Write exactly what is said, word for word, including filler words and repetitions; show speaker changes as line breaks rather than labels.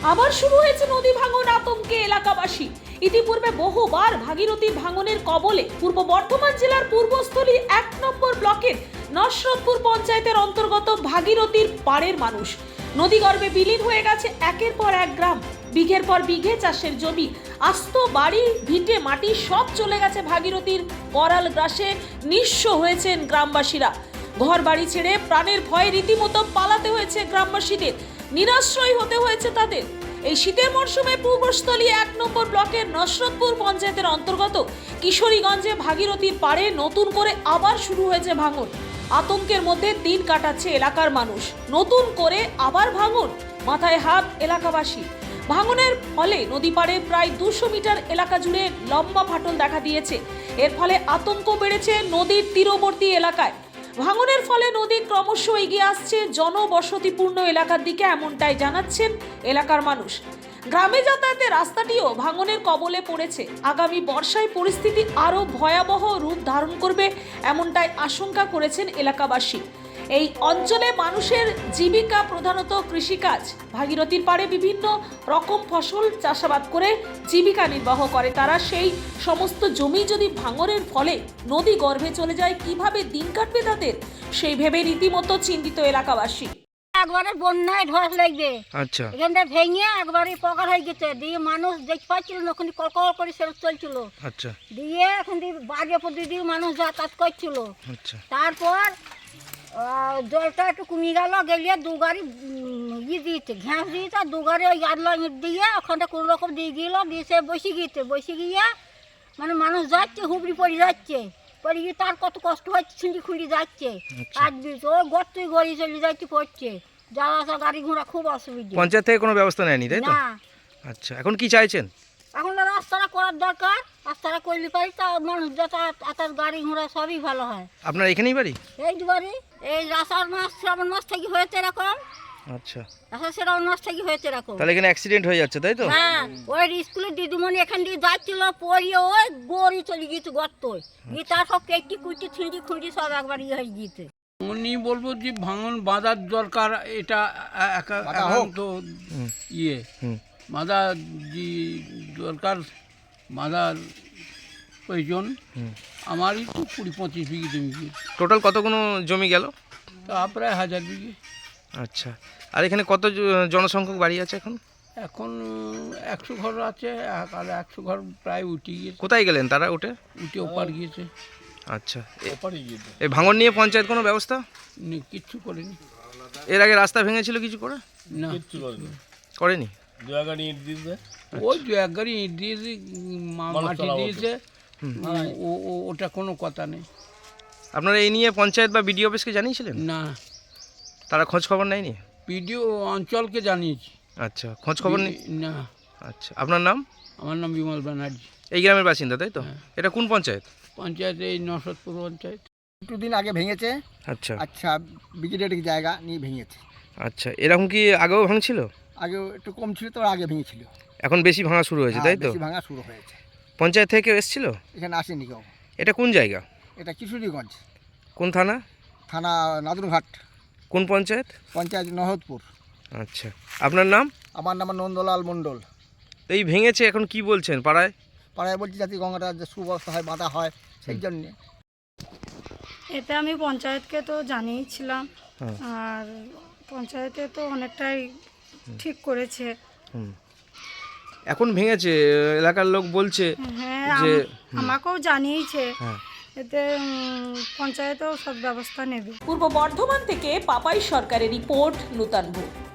আবার শুরু হয়েছে নদী ভাঙন, আতঙ্কে এলাকাবাসী। ইতিপূর্বে বহুবার ভাগীরথীর ভাঙনের কবলে পূর্ব বর্ধমান জেলার পূর্বস্থলী এক নম্বর ব্লকের নসরতপুর পঞ্চায়েতের অন্তর্গত ভাগীরথীর পাড়ের মানুষ। নদীগর্ভে বিলীন হয়ে গেছে একের পর এক গ্রাম। বিঘের পর বিঘে চাষের জমি, আস্ত বাড়ি, ভিটে মাটি সব চলে গেছে ভাগীরথীর করাল গ্রাসে। নিঃস্ব হয়েছেন গ্রামবাসীরা। ঘর বাড়ি ছেড়ে প্রাণের ভয়ে রীতিমতো পালাতে হয়েছে গ্রামবাসীদের। নিরাশ্রয় হতে হয়েছে তাদের। এই শীতের মরশুমে পূর্বস্থলী এক নম্বর ব্লকের নসরতপুর পঞ্চায়েতের অন্তর্গত কিশোরীগঞ্জে ভাগীরথীর পাড়ে নতুন করে আবার শুরু হয়েছে ভাঙন। আতঙ্কের মধ্যে দিন কাটাচ্ছে এলাকার মানুষ। নতুন করে আবার ভাঙন, মাথায় হাত এলাকাবাসী। ভাঙনের ফলে নদী পাড়ে প্রায় দুশো মিটার এলাকা জুড়ে লম্বা ফাটল দেখা দিয়েছে। এর ফলে আতঙ্ক বেড়েছে নদীর তীরবর্তী এলাকায়। ভাঙনের ফলে নদী ক্রমশ এগিয়ে আসছে জনবসতিপূর্ণ এলাকার দিকে, এমনটাই জানাচ্ছেন এলাকার মানুষ। গ্রামে যাতায়াতের রাস্তাটিও ভাঙনের কবলে পড়েছে। আগামী বর্ষায় পরিস্থিতি আরও ভয়াবহ রূপ ধারণ করবে, এমনটাই আশঙ্কা করেছেন এলাকাবাসী। এই অঞ্চলে মানুষের জীবিকা প্রধানত কৃষিকাজ। ভাগীরথীর পাড়ে বিভিন্ন রকম ফসল চাষাবাদ করে জীবিকা নির্বাহ করে তারা। সেই সমস্ত জমি যদি ভাঙনের ফলে নদী গর্ভে চলে যায়, কিভাবে দিন কাটবে তাদের, সেই ভেবে রীতিমতো চিন্তিত এলাকাবাসী।
একবারে বন্যায় ধস লাগবে।
আচ্ছা,
এখানটা ভেঙে একবারে পকার হয়ে গেছে। দিয়ে মানুষ দেখতে পাচ্ছিল না, ওখানে কলকল করে সেরক চলছিল।
আচ্ছা,
দিয়ে এখন দিয়ে বাড়ির উপর দিয়ে মানুষ যাতায়াত করছিল।
আচ্ছা,
তারপর আহ, জলটা একটু কমে গেল, গেলিয়ে দু গাড়ি উম, ই দিয়েছে, ঘ্যাঁস দিয়েছে। দু গাড়ি ওই আদলা ইট দিয়ে ওখানটা কোনো রকম দিয়ে গেল, দিয়ে সে বসে গিয়েছে। বসে গিয়ে মানে মানুষ যাচ্ছে, হুবড়ি পড়ে যাচ্ছে। পড়ে গিয়ে তার কত কষ্ট হচ্ছে, ছিঁড়ি খুঁড়ি যাচ্ছে। আর দিয়েছে ওই গর্তই গড়ি চলে যাচ্ছে, পড়ছে। যাওয়া আসা গাড়ি ঘোড়া খুব অসুবিধা।
পঞ্চায়েত থেকে কোনো ব্যবস্থা নেয়নি, তাই তো?
না,
আচ্ছা, এখন কি চাইছেন?
এখন তো রাস্তাটা করার দরকার। রাস্তাটা করলে পারি তা মানুষ যাতায়াত আতার গাড়ি ঘোড়া সবই ভালো হয়।
আপনার এখানেই বাড়ি?
এই দুবারই এই আষাঢ় মাস শ্রাবণ মাস থেকে হয়েছে এরকম।
আচ্ছা,
আষাঢ় শ্রাবণ মাস থেকে হয়েছে এরকম।
তাহলে এখানে অ্যাক্সিডেন্ট হয়ে যাচ্ছে, তাই তো?
হ্যাঁ, ওই স্কুলের দিদিমণি এখান দিয়ে যাচ্ছিল, পড়িয়ে ওই গড়ি চলে গিয়েছে গর্তই। গিয়ে তার সব কেটে কুচি ছিঁড়ি খুঁড়ি সব একবার ইয়ে হয়ে গিয়েছে।
উনি বলবো যে ভাঙন বাঁধার দরকার, এটা এ- একা- একান্ত ইয়ে
হুম।
বাঁধা যে দরকার, বাঁধার প্রয়োজন।
হুম।
আমারই তো কুড়ি পঁচিশ বিঘে জমি গিয়ে,
টোটাল কতগুলো জমি গেল?
তা প্রায় হাজার বিঘে।
আচ্ছা, আর এখানে কত জ- জনসংখ্যক বাড়ি আছে এখন?
এখন একশো ঘর আছে, এক- আর একশো ঘর প্রায় উঠে গিয়েছে,
কোথায় গেলেন তারা উঠে?
উঠে ওপার গিয়েছে।
আচ্ছা, এ- এই ভাঙন নিয়ে পঞ্চায়েত কোনো ব্যবস্থা?
উনি কিচ্ছু করেনি।
এর আগে রাস্তা ভেঙেছিল কিছু করে?
না,
করেনি?
ওই দু এক গাড়ি ইট দিয়েছে, মা- মাটি দিয়েছে, ও- ও- ওটা কোনো কথা নেই।
আপনারা এই নিয়ে পঞ্চায়েত বা বিডিও অফিসকে জানিয়েছিলেন?
না,
তারা খোঁজ খবর নেয়নি?
পিডিও অঞ্চলকে জানিয়েছি।
আচ্ছা, খোঁজ খবর নেই?
না,
আচ্ছা, আপনার নাম?
আমার নাম বিমল ব্যানার্জি।
এই গ্রামের বাসিন্দা, তাই তো? এটা কোন পঞ্চায়েত?
পঞ্চায়েত এই নসরতপুর পঞ্চায়েত।
একটু দিন আগে ভেঙেছে।
আচ্ছা,
আচ্ছা, ব্রিগেডের জায়গা নিয়ে ভেঙেছে।
আচ্ছা, এরকম কি আগেও ভাঙছিল?
আগে একটু কম ছিল, তো আগে ভেঙেছিল।
এখন বেশি ভাঙা শুরু হয়েছে, তাই
হ্যাঁ,
তো?
বেশি ভাঙা শুরু হয়েছে।
পঞ্চায়েত থেকে কেউ এসেছিল?
এখানে আসেনি কেউ।
এটা কোন জায়গা?
এটা কিশোরীগঞ্জ
কোন থানা?
থানা নাদুরঘাট,
কোন পঞ্চায়েত?
পঞ্চায়েত নহদপুর।
আচ্ছা, আপনার নাম?
আমার নাম নন্দলাল মণ্ডল।
তো এই ভেঙেছে, এখন কি বলছেন পাড়ায়?
পাড়ায় বলছি যাতে গঙ্গাটা যে সুব্যবস্থা হয়, বাঁধা হয়, সেই জন্যে।
এতে আমি পঞ্চায়েতকে তো জানিয়েছিলাম,
হ্যাঁ।
আর পঞ্চায়েতে তো অনেকটাই ঠিক করেছে।
হুম। এখন ভেঙেছে, এলাকার লোক বলছে
হ্যাঁ,
যে
আম- আমাকেও জানিয়েছে।
হ্যাঁ।
এতে উম, পঞ্চায়েতেও সব ব্যবস্থা নেবে।
পূর্ব বর্ধমান থেকে পাপাই সরকারের রিপোর্ট, নূতন ভূ।